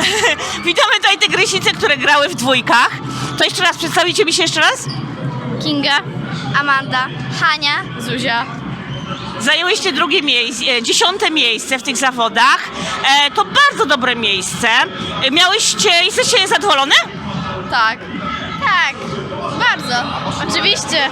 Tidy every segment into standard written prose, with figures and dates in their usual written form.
Witamy tutaj te grysice, które grały w dwójkach. To jeszcze raz, przedstawicie mi się jeszcze raz? Kinga, Amanda, Hania, Zuzia. Zajęłyście drugie miejsce, 10. miejsce w tych zawodach. To bardzo dobre miejsce. Jesteście zadowolone? Tak. Tak, bardzo. Oczywiście.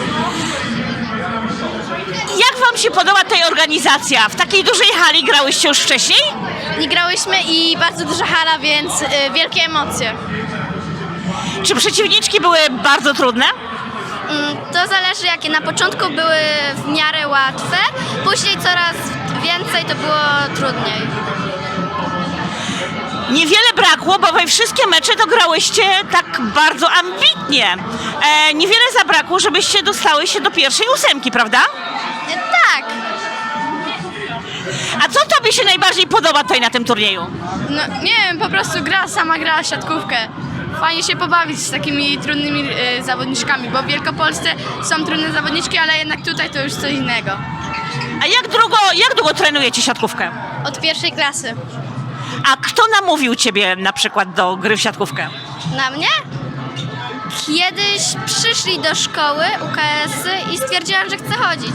Jak wam się podoba ta organizacja? W takiej dużej hali grałyście już wcześniej? Nie grałyśmy i bardzo duża hala, więc wielkie emocje. Czy przeciwniczki były bardzo trudne? To zależy jakie. Na początku były w miarę łatwe, później coraz więcej to było trudniej. Niewiele brakło, bo we wszystkie mecze to grałyście tak bardzo ambitnie. Niewiele zabrakło, żebyście dostały się do pierwszej 8, prawda? Tak. A co tobie się najbardziej podoba tutaj na tym turnieju? No nie wiem, po prostu sama gra siatkówkę. Fajnie się pobawić z takimi trudnymi zawodniczkami, bo w Wielkopolsce są trudne zawodniczki, ale jednak tutaj to już coś innego. A jak długo trenujecie siatkówkę? Od pierwszej klasy. A kto namówił ciebie na przykład do gry w siatkówkę? Na mnie? Kiedyś przyszli do szkoły UKS-y i stwierdziłam, że chcę chodzić.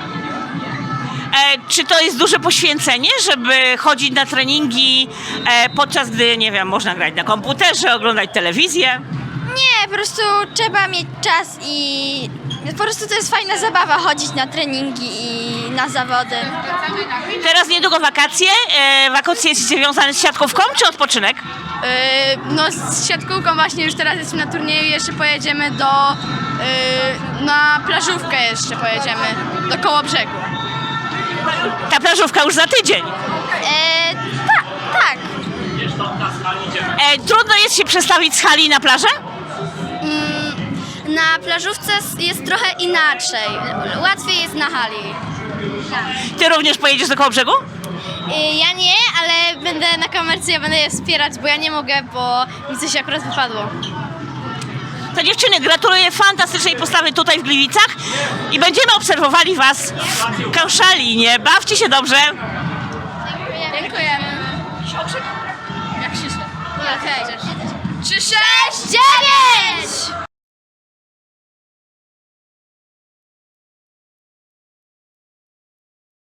Czy to jest duże poświęcenie, żeby chodzić na treningi, podczas gdy, nie wiem, można grać na komputerze, oglądać telewizję? Nie, po prostu trzeba mieć czas i po prostu to jest fajna zabawa chodzić na treningi i na zawody. Teraz niedługo wakacje. Wakacje jest związane z siatkówką czy odpoczynek? No z siatkówką właśnie już teraz jesteśmy na turnieju i jeszcze pojedziemy na plażówkę jeszcze pojedziemy, do Kołobrzegu. Ta plażówka już za tydzień. Tak. Trudno jest się przestawić z hali na plażę? Na plażówce jest trochę inaczej. Łatwiej jest na hali. Ty również pojedziesz do Kołobrzegu? Ja nie, ale będę na kamerce, ja będę je wspierać, bo ja nie mogę, bo mi coś akurat wypadło. To dziewczyny, gratuluję fantastycznej postawy tutaj w Gliwicach i będziemy obserwowali was w Koszalinie. Bawcie się dobrze. Dziękujemy. Jak się... Okej. 3, 6, 9!